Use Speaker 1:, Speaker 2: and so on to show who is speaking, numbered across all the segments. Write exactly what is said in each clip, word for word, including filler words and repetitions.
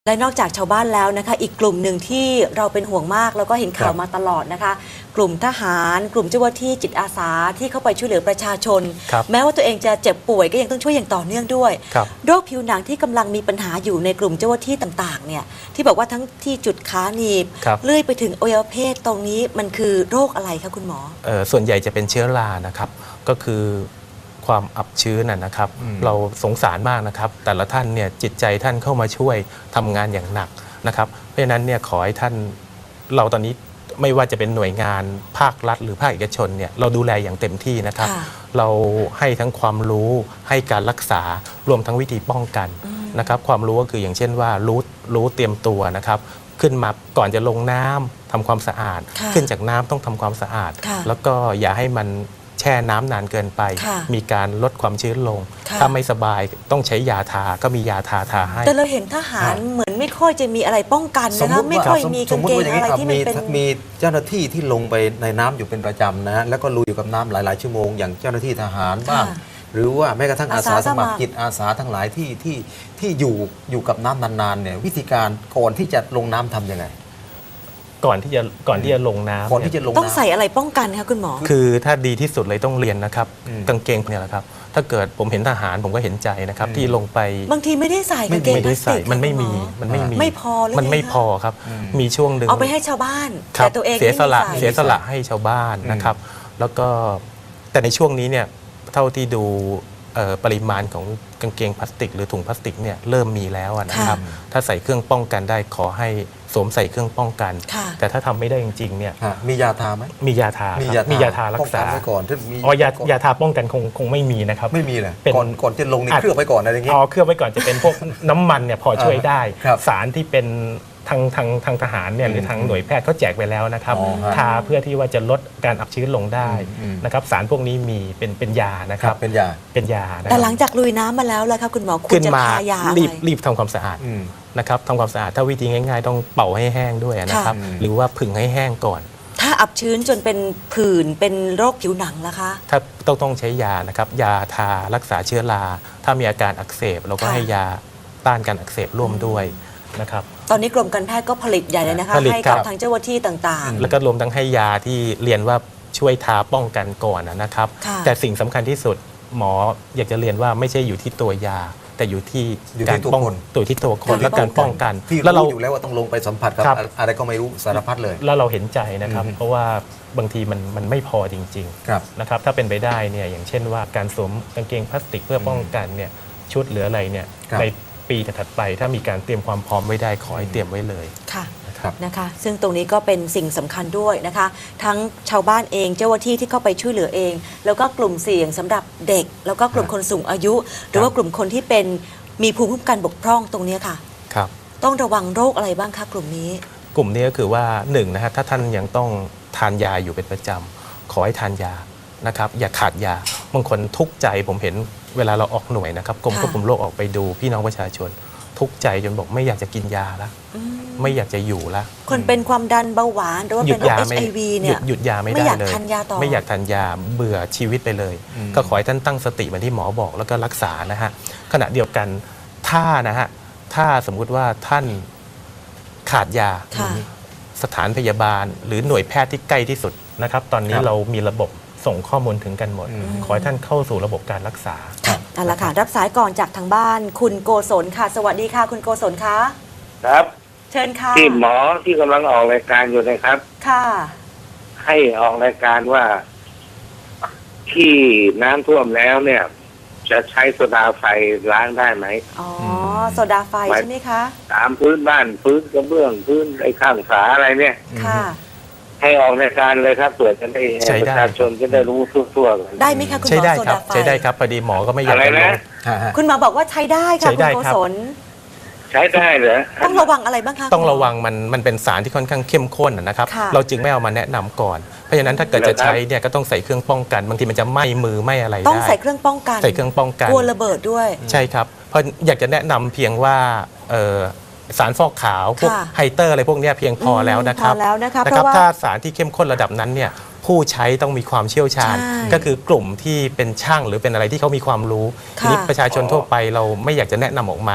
Speaker 1: และนอกจากชาวบ้านแล้วนะคะอีกกลุ่มหนึ่งที่เราเป็นห่วงมากแล้วก็เห็นข่าวมาตลอดนะคะกลุ่มทหารกลุ่มเจ้าหน้าที่จิตอาสาที่เข้าไปช่วยเหลือประชาชนแม้ว่าตัวเองจะเจ็บป่วยก็ยังต้องช่วยอย่างต่อเนื่องด้วยโรคผิวหนังที่กำลังมีปัญหาอยู่ในกลุ่มเจ้าหน้าที่ต่างๆเนี่ยที่บอกว่าทั้งที่จุดขาหนีบเลื่อยไปถึงอวัยวะเพศตรงนี้มันคือโรคอะไรคะคุณหมอ
Speaker 2: เอ่อส่วนใหญ่จะเป็นเชื้อรานะครับก็คือความอับชื้นนะครับเราสงสารมากนะครับแต่ละท่านเนี่ยจิตใจท่านเข้ามาช่วยทำงานอย่างหนักนะครับเพราะฉะนั้นเนี่ยขอให้ท่านเราตอนนี้ไม่ว่าจะเป็นหน่วยงานภาครัฐหรือภาคเอกชนเนี่ยเราดูแลอย่างเต็มที่นะครับเราให้ทั้งความรู้ให้การรักษารวมทั้งวิธีป้องกันนะครับความรู้ก็คืออย่างเช่นว่ารู้รู้เตรียมตัวนะครับขึ้นมาก่อนจะลงน้ำทำความสะอาดขึ้นจากน้ำต้องทำความสะอาดแล้วก็อย่าให้มันแช่น้ำนานเกินไปมีการลดความชื้นลงถ้าไม่สบายต้องใช้ยาทาก็มียาทาทาให้
Speaker 1: แต่เราเห็นทหารเหมือนไม่ค่อยจะมีอะไรป้องกันนะคะไม่ค่อยมีกางเกงอะไรที่มันเป็น
Speaker 3: มีเจ้าหน้าที่ที่ลงไปในน้ำอยู่เป็นประจำนะแล้วก็ลุยอยู่กับน้ำหลายๆชั่วโมงอย่างเจ้าหน้าที่ทหารบ้างหรือว่าแม้กระทั่งอาสาสมัครจิตอาสาทั้งหลายที่ที่ที่อยู่อยู่กับน้ำนานๆเนี่ยวิธีการก่อนที่จะลงน้ำทำยังไง
Speaker 2: ก่อนที่จะก่อนที่จะลงน้ำ
Speaker 3: ก่อนที่จะลง
Speaker 1: ต้องใส่อะไรป้องกันคะคุณหมอ
Speaker 2: คือถ้าดีที่สุดเลยต้องเรียนนะครับกางเกงเนี่ยแหละครับถ้าเกิดผมเห็นทหารผมก็เห็นใจนะครับที่ลงไป
Speaker 1: บางทีไม่ได้ใส่กางเกงพลาสติก
Speaker 2: มันไม่มีมันไม่มี
Speaker 1: ไม่พอ
Speaker 2: มันไม่พอครับมีช่วงหนึ่ง
Speaker 1: เอาไปให้ชาวบ้านแต่ตัวเอง
Speaker 2: เสียสละเสียสละให้ชาวบ้านนะครับแล้วก็แต่ในช่วงนี้เนี่ยเท่าที่ดูปริมาณของกางเกงพลาสติกหรือถุงพลาสติกเนี่ยเริ่มมีแล้วนะครับถ้าใส่เครื่องป้องกันได้ขอให้สวมใส่เครื่องป้องกันแต่ถ้าทำไม่ได้จริงๆเนี่ย
Speaker 3: มียาทาไหม
Speaker 2: มียาทามียาทารักษา
Speaker 3: ก่อนถ้ามี
Speaker 2: อ๋อยายาทาป้องกันคงคงไม่มีนะครับ
Speaker 3: ไม่มีเลยก่อนก่อนจะลงนี่เคลือบไว้ก่อนอะไรอย่างเงี้ย
Speaker 2: อ๋อเคลือบไว้ก่อนจะเป็นพวกน้ำมันเนี่ยพอช่วยได้สารที่เป็นทางทางทางทหารเนี่ยหรือทางหน่วยแพทย์เขาแจกไปแล้วนะครับทาเพื่อที่ว่าจะลดการอับชื้นลงได้นะครับสารพวกนี้มีเป็นเป็นยานะครับ
Speaker 3: เป็นยา
Speaker 2: เป็นยา
Speaker 1: แต่หลังจากลุยน้ำมาแล้วแล้วครับคุณหมอควรจะทายา
Speaker 2: รีบรีบทำความสะอาดนะครับทำความสะอาดถ้าวิธีง่ายๆต้องเป่าให้แห้งด้วยนะครับหรือว่าผึ่งให้แห้งก่อน
Speaker 1: ถ้าอับชื้นจนเป็นผื่นเป็นโรคผิวหนังนะคะ
Speaker 2: ถ้าต้องต้องใช้ยานะครับยาทารักษาเชื้อราถ้ามีอาการอักเสบเราก็ให้ยาต้านการอักเสบร่วมด้วยนะครับ
Speaker 1: ตอนนี้กรมการแพทย์ก็ผลิตใหญ่เลยนะคะให้กับทางเจ้าหน้าที่ต่าง
Speaker 2: ๆแล้วก็รวมทั้งให้ยาที่เรียนว่าช่วยทาป้องกันก่อนนะครับแต่สิ่งสำคัญที่สุดหมออยากจะเรียนว่าไม่ใช่อยู่ที่ตัวยาแต่อยู่ที่การป้องตัวที่ตัวคนและการป้องกัน
Speaker 3: แล้วเราอยู่แล้วว่าต้องลงไปสัมผัสกับอะไรก็ไม่รู้สารพัดเลย
Speaker 2: แล้วเราเห็นใจนะครับเพราะว่าบางทีมันมันไม่พอจริงๆนะครับถ้าเป็นไปได้เนี่ยอย่างเช่นว่าการสวมกางเกงพลาสติกเพื่อป้องกันเนี่ยชุดหรืออะไรเนี่ยในปีถัดไปถ้ามีการเตรียมความพร้อมไว้ได้ขอให้เตรียมไว้เลย
Speaker 1: ค่ะนะคะซึ่งตรงนี้ก็เป็นสิ่งสำคัญด้วยนะคะทั้งชาวบ้านเองเจ้าหน้าที่ที่เข้าไปช่วยเหลือเองแล้วก็กลุ่มเสี่ยงสำหรับเด็กแล้วก็กลุ่มคนสูงอายุหรือว่ากลุ่มคนที่เป็นมีภูมิคุ้มกันบกพร่องตรงนี้ค่ะ
Speaker 2: ครับ
Speaker 1: ต้องระวังโรคอะไรบ้างคะกลุ่มนี้
Speaker 2: กลุ่มนี้ก็คือว่าหนึ่งนะฮะถ้าท่านยังต้องทานยาอยู่เป็นประจำขอให้ทานยานะครับอย่าขาดยาบางคนทุกข์ใจผมเห็นเวลาเราออกหน่วยนะครับกรมควบคุมโรคออกไปดูพี่น้องประชาชนทุกข์ใจจนบอกไม่อยากจะกินยาแล้วไม่อยากจะอยู่แล้ว
Speaker 1: คนเป็นความดันเบาหวานหรือว่าเป็นโรค เอช ไอ วี เนี่ย
Speaker 2: หยุดยาไม่ได้เลยไม่อยากทานยาเบื่อชีวิตไปเลยก็ขอให้ท่านตั้งสติเหมือนที่หมอบอกแล้วก็รักษานะฮะขณะเดียวกันถ้านะฮะถ้าสมมุติว่าท่านขาดยาสถานพยาบาลหรือหน่วยแพทย์ที่ใกล้ที่สุดนะครับตอนนี้เรามีระบบส่งข้อมูลถึงกันหมดขอให้ท่านเข้าสู่ระบบการรักษา
Speaker 1: เอาละค่ะรับสายก่อนจากทางบ้านคุณโกศลค่ะสวัสดีค่ะคุณโกศลคะ
Speaker 4: ครับ
Speaker 1: เชิญค่ะ
Speaker 4: ที่หมอที่กำลังออกรายการอยู่นะครับ
Speaker 1: ค่ะ
Speaker 4: ให้ออกรายการว่าที่น้ำท่วมแล้วเนี่ยจะใช้โซดาไฟล้างได้ไหม
Speaker 1: อ๋อโซดาไฟใช่ไหมคะ
Speaker 4: ตามพื้นบ้านพื้นกระเบื้องพื้นไอ้ข้างฝาอะไรเนี่ย
Speaker 1: ค่ะ
Speaker 4: ให้ออกรายการเลยครับเผื่อจะได้ประชาชนจะได้รู้ทั่วๆกัน
Speaker 1: ได้ไหมคะคุณหมอโซดาไฟ
Speaker 2: ใช้ได้ครับพอดีหมอก็ไม่อยาก
Speaker 4: จะลง
Speaker 1: คุณหมอบอกว่าใช้ได้ค่ะคุณโกศล
Speaker 4: ใช้ได้เหรอ
Speaker 1: ต้องระวังอะไรบ้างคะ
Speaker 2: ต้องระวังมันมันเป็นสารที่ค่อนข้างเข้มข้นนะครับเราจึงไม่เอามาแนะนำก่อนเพราะฉะนั้นถ้าเกิดจะใช้เนี่ยก็ต้องใส่เครื่องป้องกันบางทีมันจะไหม้มือไหม้อะไรได้
Speaker 1: ต้องใส่เครื่องป้องกัน
Speaker 2: ใส่เครื่องป้องกัน
Speaker 1: กลัวระเบิดด้วย
Speaker 2: ใช่ครับเพราะอยากจะแนะนำเพียงว่าสารฟอกขาวพวกไฮเตอร์อะไรพวกนี้เพียงพอแล้วนะครับนะครับถ้าสารที่เข้มข้นระดับนั้นเนี่ยผู้ใช้ต้องมีความเชี่ยวชาญก็คือกลุ่มที่เป็นช่างหรือเป็นอะไรที่เขามีความรู้ทีนี้ประชาชนทั่วไปเราไม่อยากจะแนะนำออกมา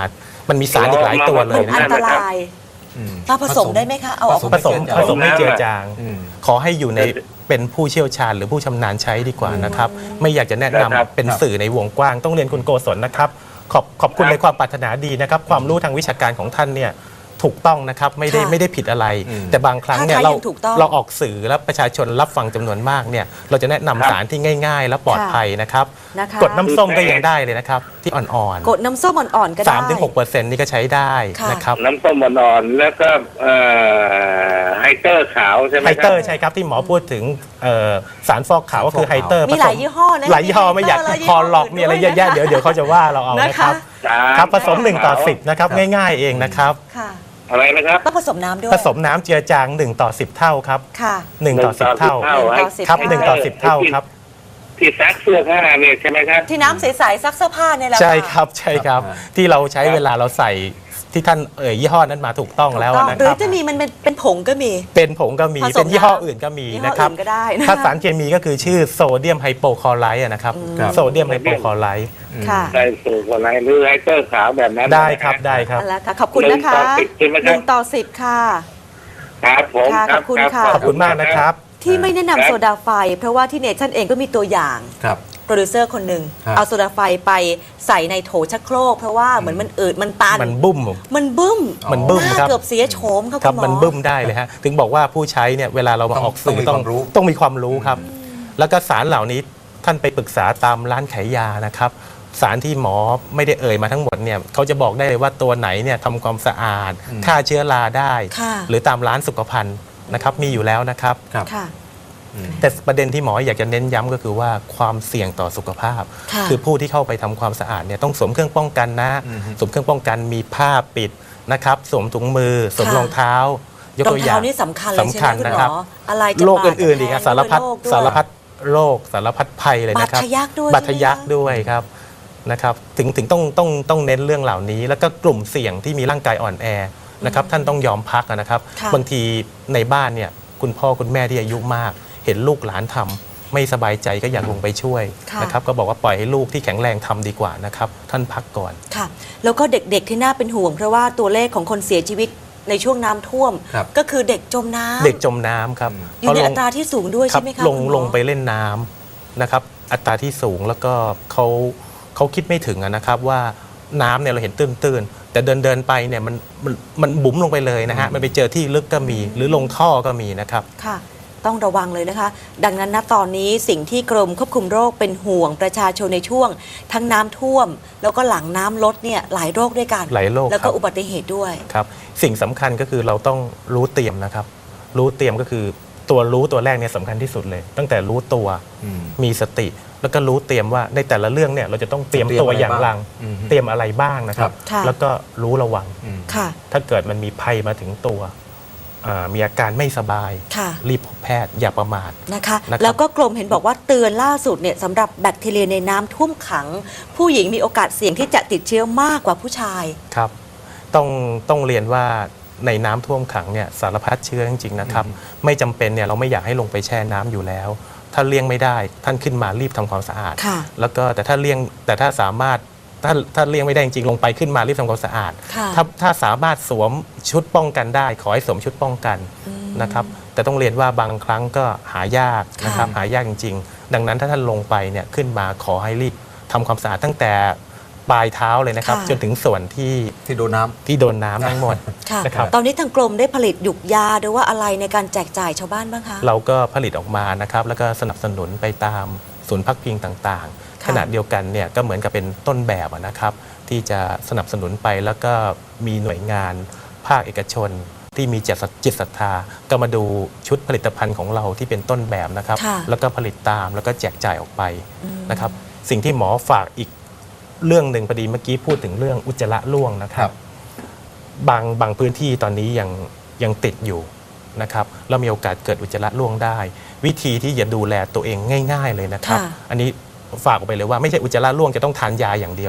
Speaker 2: มันมีสารอีกหลายตัวเลย
Speaker 1: อั
Speaker 2: นะ
Speaker 1: นตราย
Speaker 3: อืม
Speaker 1: มาผสมได้ไหมคะเอาออก
Speaker 2: ผสมผสมให้เจือจาง
Speaker 3: อืม
Speaker 2: ขอให้อยู่ในเป็นผู้เชี่ยวชาญหรือผู้ชำนาญใช้ดีกว่านะครับ ไม่อยากจะแนะนำเป็นสื่อในวงกว้างต้องเรียนคุณโกศลนะครับ ขอบขอบคุณในความปรารถนาดีนะครับ ความรู้ทางวิชาการของท่านเนี่ยถูกต้องนะครับไม่ได้
Speaker 1: ค่ะ
Speaker 2: ไม่ได้ผิดอะไร
Speaker 3: อืม
Speaker 2: แต่บางครั้งเนี่ย
Speaker 1: ถ้า
Speaker 2: เรา
Speaker 1: ยังถูกต้อง
Speaker 2: เราออกสื่อแล้วประชาชนรับฟังจำนวนมากเนี่ยเราจะแนะนำสารที่ง่าย ๆ และปลอดภัยนะครับ
Speaker 1: นะคะ
Speaker 2: กดน้ำส้มก็ยังได้เลยนะครับ ที่อ่อน
Speaker 1: กดน้ำส้มอ่อนๆก็ได้
Speaker 2: ๆสามถึงหกเปอร์เซ็นต์นี่ก็ใช้ได้
Speaker 1: ค่ะ
Speaker 2: นะครับ
Speaker 4: น้ำส้มอ่อนๆแล้วก็เอ่อไฮเตอร์ขาวใช่ไหม
Speaker 2: ไฮ
Speaker 4: ค
Speaker 2: เต
Speaker 4: รั
Speaker 2: อบ ร์ใช่ครับที่หมอพูดถึงเอ่อสารฟอกขาวก็คือไฮเตอร์
Speaker 1: มีหลายยี่ห้อนะ
Speaker 2: หลายยี่ห้อไม่อยาก
Speaker 1: มีไฮเตอร์และยี่
Speaker 2: ค
Speaker 1: ห้
Speaker 2: อ
Speaker 1: อ
Speaker 2: หลอกมีอะไรเยอะแยะ
Speaker 1: อื่นด้วย
Speaker 2: เดี๋ยวเดี๋ยวเขาจะว่าเราเอา
Speaker 1: นะ
Speaker 2: นะครับ
Speaker 1: คะ
Speaker 2: ครับผสมหนึ่งต่อสิบนะครับง่ายๆเองนะครับ
Speaker 1: ค่ะ
Speaker 4: อะไรนะครับ
Speaker 1: ต้องผสมน้ำด้วย
Speaker 2: ผสมน้ำเจือจางหนึ่งต่อสิบเท่าครับ
Speaker 1: ค่ะ
Speaker 2: หนึ่งต่อสิบเท่า
Speaker 1: หนึ่งต่อสิบ
Speaker 2: ครับหนึ่งต่อสิบเท่าครับ
Speaker 4: ที่ซักเสื้อผ้าเนี่ยใช่ไหมครับ
Speaker 1: ที่น้ำใสๆซักเสื้อผ้าเนี่ยแหละ
Speaker 2: ใช่
Speaker 1: ะ
Speaker 2: ครับใช่ครับ
Speaker 3: ครับ
Speaker 2: ที่เราใช้เวลาเราใส่ที่ท่านเอ่ยยี่ห้อนั้นมาถูกต้องแล้ว
Speaker 1: ถูกต้อง
Speaker 2: นะ
Speaker 1: หรื
Speaker 2: ค
Speaker 1: อ
Speaker 2: รับ
Speaker 1: จะมีมันเป็นเป็นผงก็มี
Speaker 2: เป็นผงก็มี
Speaker 1: ผสม
Speaker 2: เป็นยี่ห้อ
Speaker 1: น้ำ
Speaker 2: อื่นก็มี
Speaker 1: ยี่ห้อ
Speaker 2: นะครับ
Speaker 1: อื่นก็ได้นะคะ
Speaker 2: ถ้าสารเคมีก็คือชื่อโซเดียมไฮโปคลอไรด์นะครับ
Speaker 3: ครับ
Speaker 2: โซเดียมไฮโปคลอไรด์
Speaker 1: ค่ะ
Speaker 4: ได้สูตรอะไรหรือไฮเตอร์ขาวแบบนั้น
Speaker 2: ได้ครับได้ครับ
Speaker 1: นั่นแหละค่ะขอบคุณนะคะ
Speaker 4: หนึ่งต่อสิบใช่ไหมครับ
Speaker 1: หนึ่งต่อสิบค่ะ
Speaker 4: ครับผม
Speaker 1: ค่ะ
Speaker 4: รับ
Speaker 1: ขอบคุณ
Speaker 4: รับ
Speaker 1: ค่ะ
Speaker 2: ขอบคุณมากนะครับ
Speaker 1: ที่ไม่แนะนำโซดาไฟ เพราะว่าที่เนชั่นเองก็มีตัวอย่าง
Speaker 3: ครับ
Speaker 1: โปรดิวเซอร์คนหนึ่ง
Speaker 3: ครับ
Speaker 1: เอาโซดาไฟไปใส่ในโถชักโครกเพราะว่าเหมือนมันอืดมันตัน
Speaker 2: มันบุ้ม
Speaker 1: มันบึ้ม
Speaker 2: มันบึ้ม
Speaker 1: หน้า
Speaker 2: ครับ
Speaker 1: เกือบเสียโฉมครับ
Speaker 2: ครับ
Speaker 1: คุณหมอ
Speaker 2: มันบึ้มได้เลยฮะถึงบอกว่าผู้ใช้เนี่ยเวลาเรามาออกสื่อ
Speaker 3: ต้องมีความรู้
Speaker 2: ต้องมีความรู้ครับ แล้วก็สารเหล่านี้ท่านไปปรึกษาตามร้านขายยานะครับ สารที่หมอไม่ได้เอ่ยมาทั้งหมดเนี่ยเขาจะบอกได้เลยว่าตัวไหนเนี่ยทำความสะอาดฆ่าเชื้อราได้
Speaker 1: ค่ะ
Speaker 2: หรือตามร้านสุขภัณฑ์นะครับมีอยู่แล้วนะครับ
Speaker 3: ครับ
Speaker 1: ค่ะ
Speaker 2: แต่ประเด็นที่หมออยากจะเน้นย้ำก็คือว่าความเสี่ยงต่อสุขภาพ
Speaker 1: ค่ะ
Speaker 2: คือผู้ที่เข้าไปทำความสะอาดเนี่ยต้องสวมเครื่องป้องกันนะ
Speaker 3: อือฮึ
Speaker 2: สวมเครื่องป้องกันมีผ้าปิดนะครับสวมถุงมือสวม
Speaker 1: ค่ะ
Speaker 2: รองเท้ายก
Speaker 1: รอ
Speaker 2: ตั
Speaker 1: ง
Speaker 2: วอ
Speaker 1: เท้า
Speaker 2: ย่าง
Speaker 1: นี่สำคัญเลยใช่ไหม
Speaker 2: สำคัญ
Speaker 1: คุณ
Speaker 2: นะ
Speaker 1: หม
Speaker 2: ครับ
Speaker 1: ออะไรจะ
Speaker 2: โรค
Speaker 1: บาด
Speaker 2: อื่นๆอีก
Speaker 1: จะ
Speaker 2: อะ
Speaker 1: แทง
Speaker 2: สารพัด
Speaker 1: ด้วยโรคด้วย
Speaker 2: สารพัดโรคสารพัดภัยเลยนะครับ
Speaker 1: บาดทะยักด้วย
Speaker 2: บาดทะยัก
Speaker 1: ใช่ไหมคะ
Speaker 2: ด้วยครับนะครับถึงถึงต้องต้องต้องเน้นเรื่องเหล่านี้ แล้วก็กลุ่มเสี่ยงที่มีร่างกายอ่อนแอนะครับท่านต้องยอมพักนะครับ
Speaker 1: ค่ะ
Speaker 2: บางทีในบ้านเนี่ยคุณพ่อคุณแม่ที่อายุมาก เห็นลูกหลานทำไม่สบายใจก็อยากลงไปช่วย
Speaker 1: ค่ะ
Speaker 2: นะครับก็บอกว่าปล่อยให้ลูกที่แข็งแรงทำดีกว่านะครับท่านพักก่อน
Speaker 1: ค่ะ แล้วก็เด็กๆที่น่าเป็นห่วง เพราะว่าตัวเลขของคนเสียชีวิตในช่วงน้ำท่วม
Speaker 3: ครับ
Speaker 1: ก็คือเด็กจมน้ำ
Speaker 2: เด็กจมน้ำครับ
Speaker 1: อยู่ใน
Speaker 2: เพ
Speaker 1: อั
Speaker 2: ราะลง
Speaker 1: ตราที่สูงด้วย
Speaker 2: ครั
Speaker 1: ใช่ไหมคะ
Speaker 2: ลง
Speaker 1: คุณหมอ
Speaker 2: ลงไปเล่นน้ำนะครับอัตราที่สูงแล้วก็เขาเขาคิดไม่ถึงอะนะครับว่าน้ำเนี่ยเราเห็นตื้นๆแต่เดินเดินๆไปเนี่ยมันมันมันบุ๋มลงไปเลยนะฮะมันไปเจอที่ลึกก็มี หรือลงท่อก็มีนะครับ
Speaker 1: ค่ะ ต้องระวังเลยนะคะ ดังนั้นณตอนนี้สิ่งที่กรมควบคุมโรคเป็นห่วงประชาชนในช่วง ทั้งน้ำท่วม แล้วก็หลังน้ำลดเนี่ยหลายโรคด้วยกัน
Speaker 2: หลายโรค
Speaker 1: แล้วก็
Speaker 2: ครับ
Speaker 1: อุบัติเหตุด้วย
Speaker 2: ครับสิ่งสำคัญก็คือเราต้องรู้เตรียมนะครับ รู้เตรียมก็คือตัวรู้ตัวแรกเนี่ยสำคัญที่สุดเลย ตั้งแต่รู้ตัว
Speaker 3: อืม
Speaker 2: มีสติ แล้วก็รู้เตรียมว่าในแต่ละเรื่องเนี่ยเราจะต้องเตรียมตัวอย่างไร
Speaker 3: อืม
Speaker 2: เตรียมอะไรบ้างนะครับ
Speaker 1: ค่ะ
Speaker 2: แล้วก็รู้ระวัง
Speaker 3: อืม
Speaker 1: ค่ะ
Speaker 2: ถ้าเกิดมันมีภัยมาถึงตัวอ่ามีอาการไม่สบาย
Speaker 1: ค่ะ
Speaker 2: รีบพบแพทย์อย่าประมาท
Speaker 1: นะคะ
Speaker 2: นะครับ
Speaker 1: แล้วก็กรมเห็นบอกว่าเตือนล่าสุดเนี่ยสำหรับแบคทีเรียในน้ำท่วมขัง ผู้หญิงมีโอกาสเสี่ยงที่จะติดเชื้อมากกว่าผู้ชาย
Speaker 2: ครับต้องต้องเรียนว่าในน้ำท่วมขังเนี่ยสารพัดเชื้อจริงๆนะครับ ไม่จำเป็นเนี่ยเราไม่อยากให้ลงไปแช่น้ำอยู่แล้ว ถ้าเลี่ยงไม่ได้ท่านขึ้นมารีบทำความสะอาด
Speaker 1: ค่ะ
Speaker 2: แล้วก็แต่ถ้าเลี่ยงแต่ถ้าสามารถถ้าถ้าเลี่ยงไม่ได้จริงๆลงไปขึ้นมารีบทำความสะอาด
Speaker 1: ค่ะ
Speaker 2: ถ้าถ้าสามารถสวมชุดป้องกันได้ ขอให้สวมชุดป้องกันนะครับแต่ต้องเรียนว่าบางครั้งก็หายากนะครับ
Speaker 1: ค่ะ
Speaker 2: หายากจริงๆ ดังนั้นถ้าท่านลงไปเนี่ยขึ้นมาขอให้รีบทำความสะอาดตั้งแต่ปลายเท้าเลยนะครับ
Speaker 1: ค่ะ
Speaker 2: จนถึงส่วนที่
Speaker 3: ที่โดนน้ำ
Speaker 2: ที่โดนน้ำทั้งหมด
Speaker 1: ค่ะ
Speaker 2: นะครับ
Speaker 1: ตอนนี้ทางกรมได้ผลิตหยุกยาหรือว่าอะไรในการแจกจ่ายชาวบ้านบ้างคะ
Speaker 2: เราก็ผลิตออกมานะครับแล้วก็สนับสนุนไปตามศูนย์พักพิงต่างๆ
Speaker 1: ค่ะ
Speaker 2: ขณะเดียวกันเนี่ยก็เหมือนกับเป็นต้นแบบอะนะครับ ที่จะสนับสนุนไปแล้วก็มีหน่วยงานภาคเอกชน ที่มีจิตจิตศรัทธาก็มาดูชุดผลิตภัณฑ์ของเราที่เป็นต้นแบบนะครับ
Speaker 1: ค่ะ
Speaker 2: แล้วก็ผลิตตามแล้วก็แจกจ่ายออกไปนะครับ สิ่งที่หมอฝากอีกเรื่องหนึ่งพอดีเมื่อกี้พูดถึงเรื่องอุจจาระร่วงนะครับ บางบางพื้นที่ตอนนี้ยังยังติดอยู่นะครับแล้วมีโอกาสเกิดอุจจาระร่วงได้ วิธีที่จะดูแลตัวเองง่าย ๆเลยนะครับ
Speaker 1: ค่ะ
Speaker 2: อันนี้ฝากออกไปเลยว่าไม่ใช่อุจจาระร่วงจะต้องทานยาอย่างเดียว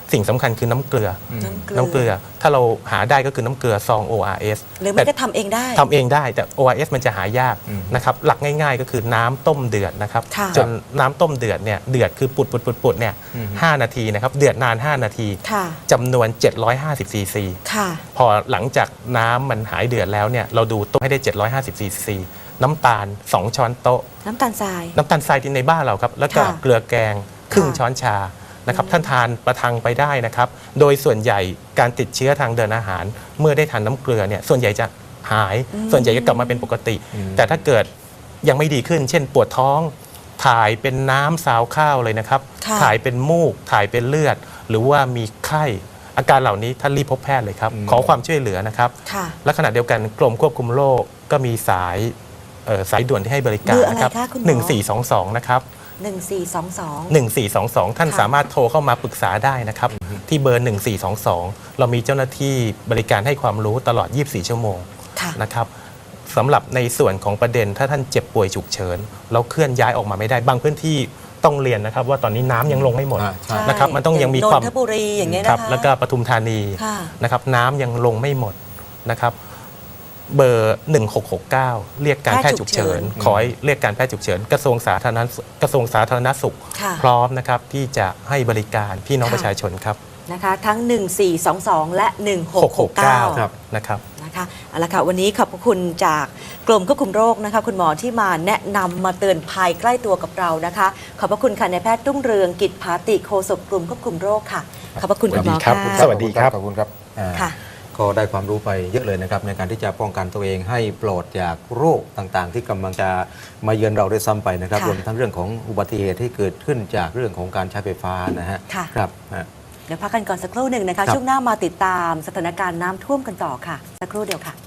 Speaker 2: สิ่งสำคัญคือน้ำเกลือ
Speaker 1: น้ำเกลือ
Speaker 2: น้ำเกลือถ้าเราหาได้ก็คือน้ำเกลือซอง โอ อาร์ เอส
Speaker 1: หรือไม่ก็ทำเองได้
Speaker 2: ทำเองได้แต่ โอ อาร์ เอส มันจะหายาก
Speaker 3: อืม
Speaker 2: นะครับหลักง่ายๆก็คือน้ำต้มเดือดนะครับ
Speaker 1: ค่ะ
Speaker 2: จนน้ำต้มเดือดเนี่ยเดือดคือปุดปุดปุดปุดเนี่ย
Speaker 3: อืม
Speaker 2: ห้านาทีนะครับเดือดนาน ห้า นาที
Speaker 1: ค่ะ
Speaker 2: จำนวน เจ็ดร้อยห้าสิบซีซี
Speaker 1: ค่ะ
Speaker 2: พอหลังจากน้ำมันหายเดือดแล้วเนี่ยเราดูต้มให้ได้ เจ็ดร้อยห้าสิบซีซี น้ำตาล สอง ช้อนโต๊ะ
Speaker 1: น้ำตาลทราย
Speaker 2: น้ำตาลทรายที่ในบ้านเราครับ แล้วก็
Speaker 1: ค่ะ
Speaker 2: เกลือแกงครึ่ง
Speaker 1: ค่ะ
Speaker 2: ช้อนชานะครับท่านทานประทังไปได้นะครับ โดยส่วนใหญ่การติดเชื้อทางเดินอาหาร เมื่อได้ทานน้ำเกลือเนี่ยส่วนใหญ่จะหาย ส่วนใหญ่จะกลับมาเป็นปกติ
Speaker 3: อืม
Speaker 2: แต่ถ้าเกิดยังไม่ดีขึ้น เช่นปวดท้อง ถ่ายเป็นน้ำซาวข้าวเลยนะครับ
Speaker 1: ค่ะ
Speaker 2: ถ่ายเป็นมูก ถ่ายเป็นเลือด หรือว่ามีไข้อาการเหล่านี้ท่านรีบพบแพทย์เลยครับ
Speaker 3: อืม
Speaker 2: ขอความช่วยเหลือนะครับ
Speaker 1: ค่ะ
Speaker 2: และขณะเดียวกันกรมควบคุมโรคก็มีสายเอ่อสายด่วนที่ให้บริกา
Speaker 1: เบ
Speaker 2: ร
Speaker 1: อร์อะไร
Speaker 2: นะครับ
Speaker 1: คะคุณหมอ
Speaker 2: หนึ่งสี่สองสองนะครับ
Speaker 1: หนึ่งสี่สองสอง
Speaker 2: หนึ่งสี่สองสองท่าน
Speaker 1: ค่ะ
Speaker 2: สามารถโทรเข้ามาปรึกษาได้นะครับ ที่เบอร์ หนึ่งสี่สองสอง เรามีเจ้าหน้าที่บริการให้ความรู้ตลอด ยี่สิบสี่ ชั่วโมง
Speaker 1: ค่ะ
Speaker 2: นะครับสำหรับในส่วนของประเด็นถ้าท่านเจ็บป่วยฉุกเฉินเราเคลื่อนย้ายออกมาไม่ได้บางพื้นที่ต้องเรียนนะครับ ว่าตอนนี้น้ำยังลงไม่หมด
Speaker 3: อ่าใช่
Speaker 2: นะครับมันต้องยังมี
Speaker 1: น
Speaker 2: ความ
Speaker 1: นทบุรีอย่างเงี้ย
Speaker 2: ค
Speaker 1: นะ
Speaker 2: รับ
Speaker 1: คะ
Speaker 2: แล้วก็ปทุมธานี
Speaker 1: ค่ะ
Speaker 2: นะครับน้ำยังลงไม่หมดนะครับ เบอร์ หนึ่งหกหกเก้า เรียกการแพทย์ฉุกเฉิน
Speaker 1: แพทย์ฉุกเฉิน
Speaker 2: ขอให้เรียกการแพทย์ฉุกเฉิน กระทรวงสาธารณสุขกระทรวงสาธารณสุข
Speaker 1: ค่ะ
Speaker 2: พร้อมนะครับที่จะให้บริการพี่น้อง
Speaker 1: ค่ะ
Speaker 2: ประชาชนครับ
Speaker 1: นะคะ ทั้ง หนึ่งสี่สองสอง และ หนึ่งหกหกเก้า
Speaker 3: ครับ
Speaker 2: นะครับ
Speaker 1: นะคะเอาละค่ะวันนี้ขอบพระคุณจากกรมควบคุมโรคนะคะคุณหมอที่มาแนะนำมาเตือนภัยใกล้ตัวกับเรานะคะ ขอบพระคุณค่ะนายแพทย์รุ่งเรืองกิจภาติโฆษกกรมควบคุมโรคค่ะ ขอบพระคุณคุณหมอ
Speaker 2: สวัสดีครับ
Speaker 1: ค่ะ
Speaker 2: สวัสดีครับ
Speaker 3: ขอบคุณครับอ่า
Speaker 1: ค่ะ
Speaker 3: ก็ได้ความรู้ไปเยอะเลยนะครับในการที่จะป้องกันตัวเองให้ปลอดจากโรคต่างๆ ที่กำลังจะมาเยือนเราด้วยซ้ำไปนะครับ
Speaker 1: ค่ะ
Speaker 3: รวมทั้งเรื่องของอุบัติเหตุที่เกิดขึ้นจากเรื่องของการใช้ไฟฟ้านะฮะ
Speaker 1: ค่ะ
Speaker 3: ครับฮะ
Speaker 1: เดี๋ยวพักกันก่อนสักครู่หนึ่งนะคะ
Speaker 3: ครับ
Speaker 1: ช่วงหน้ามาติดตามสถานการณ์น้ำท่วมกันต่อค่ะ สักครู่เดียวค่ะ